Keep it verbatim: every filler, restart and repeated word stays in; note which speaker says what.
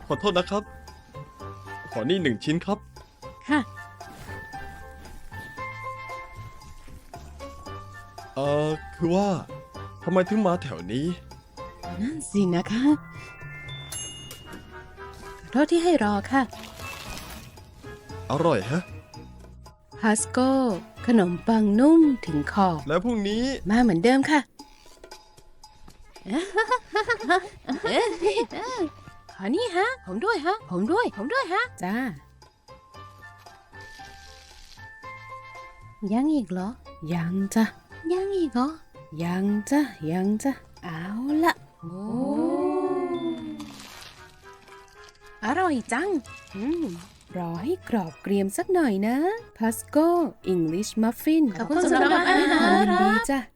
Speaker 1: ขอโทษนะครับ ขอนี่หนึ่งชิ้นครับ
Speaker 2: ค่ะ
Speaker 1: เอ่อ คือว่าทำไมถึงมาแถวนี้
Speaker 2: นั่นสินะคะขอโทษที่ให้รอค่ะ
Speaker 1: อร่อยฮะ
Speaker 2: ฮัสโก้ขนมปังนุ่มถึงคอ
Speaker 1: แล้วพรุ่งนี้
Speaker 2: มาเหมือนเดิมค่ะ ขอนี่ฮะ ผมด้วยฮะ ผมด้วย ผมด้วยฮะ จ้า ยังอีกเหรอ ยังจ้ะ ยังอีกเหรอ ยังจ้ะ ยังจ้ะ เอาละโอ้อร่อยจัง อืม รอให้กรอบเกรียมสักหน่อยนะ พัสโก้ English Muffin
Speaker 3: ขอบคุณสำหรับอาหาร
Speaker 2: ยินดีจ้ะ